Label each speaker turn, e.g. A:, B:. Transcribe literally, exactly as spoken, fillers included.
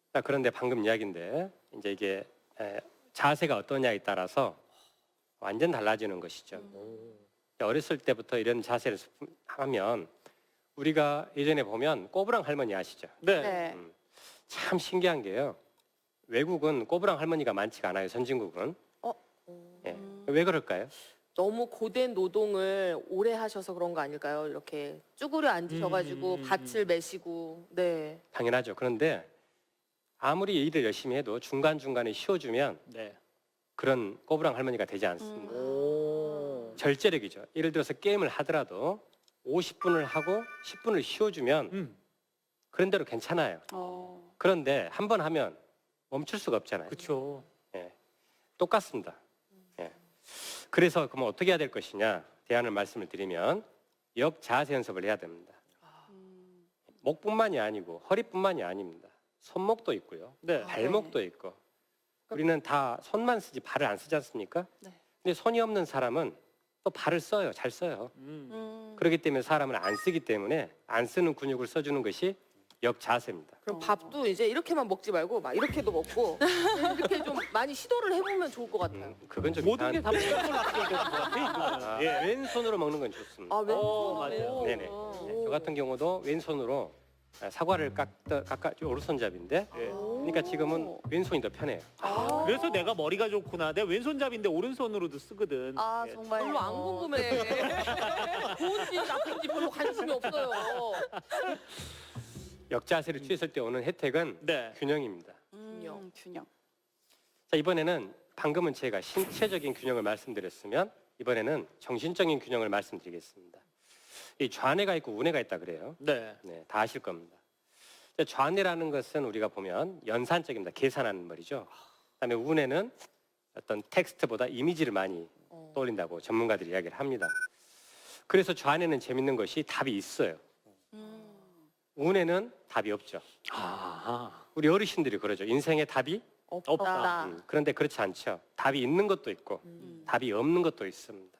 A: 자, 그런데 방금 이야기인데 이제 이게 에, 자세가 어떠냐에 따라서 완전 달라지는 것이죠.
B: 음.
A: 어렸을 때부터 이런 자세를 하면 우리가 예전에 보면 꼬부랑 할머니 아시죠?
B: 네.
C: 네.
A: 음, 참 신기한 게요. 외국은 꼬부랑 할머니가 많지가 않아요. 선진국은. 예.
C: 음.
A: 왜 그럴까요?
C: 너무 고된 노동을 오래 하셔서 그런 거 아닐까요? 이렇게 쭈그려 앉으셔가지고
B: 음, 음, 음,
C: 밭을 메시고. 네.
A: 당연하죠. 그런데 아무리 일을 열심히 해도 중간중간에 쉬어주면
B: 네.
A: 그런 꼬부랑 할머니가 되지 않습니다.
B: 오.
A: 절제력이죠. 예를 들어서 게임을 하더라도 오십 분을 하고 십 분을 쉬어주면
B: 음.
A: 그런 대로 괜찮아요.
C: 어.
A: 그런데 한 번 하면 멈출 수가 없잖아요.
B: 그렇죠.
A: 예. 똑같습니다. 예. 그래서 그러면 어떻게 해야 될 것이냐? 대안을 말씀을 드리면 역자세 연습을 해야 됩니다. 목뿐만이 아니고 허리뿐만이 아닙니다. 손목도 있고요.
B: 네.
A: 발목도 있고. 우리는 다 손만 쓰지 발을 안 쓰지 않습니까?
C: 네.
A: 근데 손이 없는 사람은 또 발을 써요. 잘 써요.
B: 음.
C: 음.
A: 그렇기 때문에 사람은 안 쓰기 때문에 안 쓰는 근육을 써주는 것이 역자세입니다.
C: 그럼 밥도 이제 이렇게만 먹지 말고 막 이렇게도 먹고 이렇게 좀 많이 시도를 해보면 좋을 것 같아요.
A: 음, 그건 좀
B: 모든 게
A: 이상한-
B: 다 복잡한 걸로 되는 것 같아요.
A: 아,
B: 이거는. 예.
A: 왼손으로 먹는 건 좋습니다.
C: 아, 왼손으로.
B: 어, 맞아요.
A: 네네. 네, 저 같은 경우도 왼손으로 사과를 깎다 깎아 오른손잡인데
B: 예.
A: 그러니까 지금은 왼손이 더 편해요.
C: 아.
B: 그래서 내가 머리가 좋구나. 내가 왼손잡인데 오른손으로도 쓰거든.
C: 아,
B: 예.
C: 정말 별로 안 궁금해. 좋은지 나쁜지 별로 관심이 없어요.
A: 역자세를 취했을 때 오는 혜택은
B: 네.
A: 균형입니다.
C: 균형.
D: 균형.
A: 자, 이번에는 방금은 제가 신체적인 균형을 말씀드렸으면 이번에는 정신적인 균형을 말씀드리겠습니다. 이 좌뇌가 있고 우뇌가 있다 그래요.
B: 네.
A: 네, 다 아실 겁니다. 자, 좌뇌라는 것은 우리가 보면 연산적입니다. 계산하는 말이죠. 그다음에 우뇌는 어떤 텍스트보다 이미지를 많이
C: 어.
A: 떠올린다고 전문가들이 이야기를 합니다. 그래서 좌뇌는 재밌는 것이 답이 있어요.
C: 음.
A: 우뇌는 답이 없죠.
B: 아.
A: 우리 어르신들이 그러죠. 인생에 답이
C: 없다.
B: 없다.
A: 음, 그런데 그렇지 않죠. 답이 있는 것도 있고
C: 음.
A: 답이 없는 것도 있습니다.